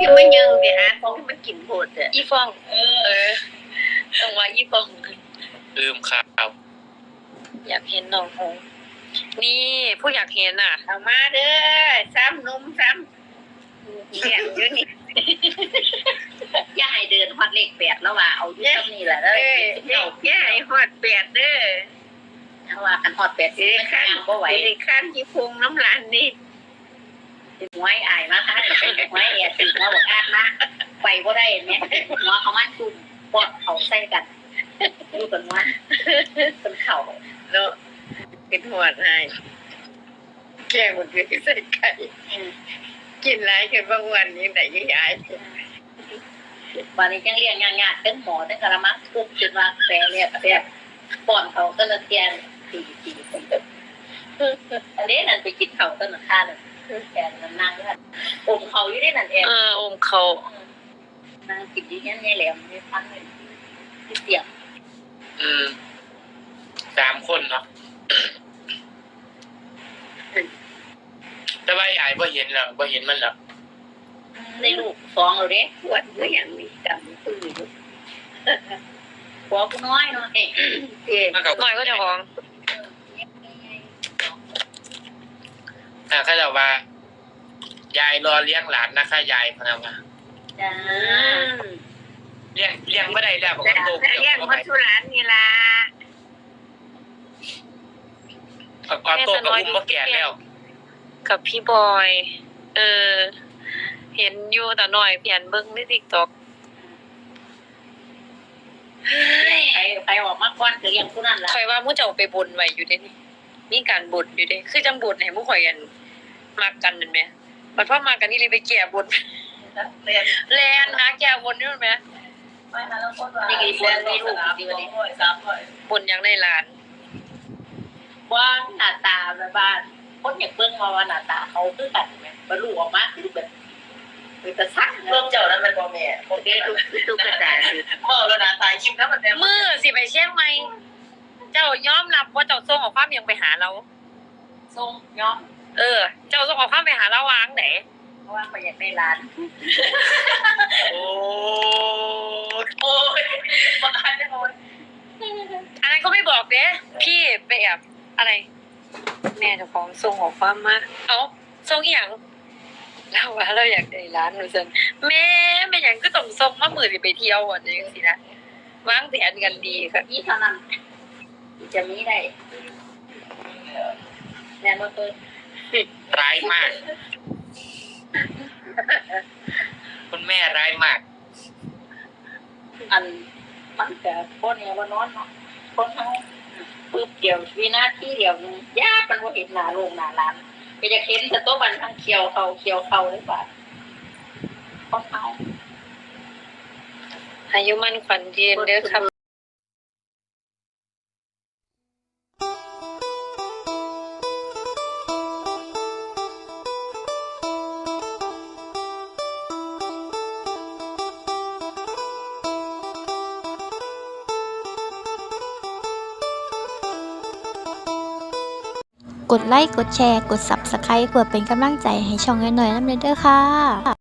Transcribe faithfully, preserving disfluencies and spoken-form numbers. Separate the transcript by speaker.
Speaker 1: จะมายังเดี๋ยวอาของมันกินโพดอ่ะ
Speaker 2: อีฟองเออต้องว่าอีฟอง
Speaker 3: ลืมข่าว
Speaker 2: อยากเห็นน้องหงนี่ผู้อยากเห็นอ่ะ
Speaker 1: เอามาเด้อซ้ำนุ่มซ้ำเลี้ยงอยู่นี่ย่าให้เดินฮอดเลขแปดแล้วว่าเอาอยู่ตรงนี้แหละเด้อย่าให้ฮอดแปดเด้อถ้าว่ากันฮอดแปดสิข้างบ่ไหวข้างที่พุงน้ำลานนี่หวยอายมาค่ะหวยแอบติดมาบอกอาดมาไปบ่ได้เนี่ยหัวเขามันจุ่มปอดเขาใส่กันดูกันว่าเป็นเข่าเนาะเป็นหัวให้แกงมันคือใส่ไก่กินไรกันบางวันนี้ไหนยิ่งใหญ่วันนี้ยังเรียนงานงานเป็นหมอเป็นกระมังทุกจุดว่าแปรเรียบแปรปอนเขาก็เลยแกงตีตีคนเดิมอันนี้นั่นไปกินเขาต้นข้าเลยแกงนั่งนั่งด้วยอมเขาอยู่ได้นั่นเอง
Speaker 2: เอออมเขา
Speaker 1: นั่งกินที่นี่นี่แหลมนี่ทั้งเลยที่เสียง
Speaker 3: อืมสามคนเนาะแต่ว่าไอ้บ่เห็นแล้วบ่เห็นมันแล้ว
Speaker 1: ในลูกสองเลยปวดก็ยังมีกำปืนหัวกูน้อยเนาะเอ๊ะ
Speaker 2: น้อยก็จะฟ้อง
Speaker 3: อ่าเขาจะว่ายายรอเลี้ยงหลานนะคะยายพนักงาน
Speaker 1: จ้า
Speaker 3: เลี้ยงเลี้ยงไม่ได้แล้วบอกว่าโต
Speaker 1: เลี้ยงมัทุรานนี่ล่ะ
Speaker 3: เอาโตกับอุ้มมาแก่แล้ว
Speaker 2: กับพี่บอยเออเห็นอยู่แต่หน่อยเปลี่ยนเบิ้งใน TikTok
Speaker 1: ใครใครออกมาก่อนก็เลี้ยงผู้นั้นล่ะ
Speaker 2: ข่อยว่ามู่เจ้าไปบุญไว้อยู่เด้นี่มีการบุญอยู่เด้คือจังบุญให้มู่ข่อยกันมากันนั่นแหมบัดพอมากันนี่เลยไปแก้บุญแล่นแล่นหาแก้บุญนี่แหม
Speaker 1: ไม่หาแล้วคนว่านี่ก็บุญมีลูกดีกว่านี้
Speaker 2: บุญยังได้หลาน
Speaker 1: ว่าหน้าตาแบบบ้านคนอยากเบิ่งมาว่าหน้าตาเขาคือกันแม่บ่รู้ออกมาคือแบบเป็นตาซัก
Speaker 4: เบิ่งเจ้านั้นมันบ่แม่
Speaker 1: โอเคทุกทุกกระดาษ
Speaker 4: เมื่อแล้วหน้าตายิ้มแล้วมันแต่
Speaker 2: มื้อสิไปเชียงใหม่เจ้ายอมรับว่าเจ้าส่งข้อความยังไปหาเรา
Speaker 1: ส่งยอม
Speaker 2: เออเจ้าส่งข้อความไปหาเราวางไหน
Speaker 1: เพราะว่าเขาอยากได้ร้าน
Speaker 3: โอ้
Speaker 4: โอ้ยบ่ทันได้โอ้ย
Speaker 2: อันนั้นก็ไม่บอกเด้พี่ไปแอบอะไรแม่เจ้าของส่งข้อความมาเอ้าส่งอีหยังเราว่าเราอยากได้ร้านหนูซั่นแม่เป็นหยังก็ต้องส่งมามื้อสิไปเที่ยวอ่ะจังซี่นะวางแผนกันดีค่ะ
Speaker 1: นี่เท่านั้นจะมีได้แม่บ่เปิด
Speaker 3: ร้ายมากคุณแม่ร้ายมาก
Speaker 1: อันมันก็บ่เนี่ยบ่นอนเนาะคนเฮาปึ๊บเดียววินาทีเดียวนึงยากมันบ่เห็นหน้าโรงหน้าร้านก็จะเห็นแต่ตัวบันทั้งเขียวเขาเขียวเขาเลยว่าคนเฮา
Speaker 2: อายุมั่นขวัญยืนเด้อครับ
Speaker 5: กดไลค์ กดแชร์ กด ซับสไครบ์ เพื่อเป็นกำลังใจให้ช่องน้อยๆน้ำเด้อค่ะ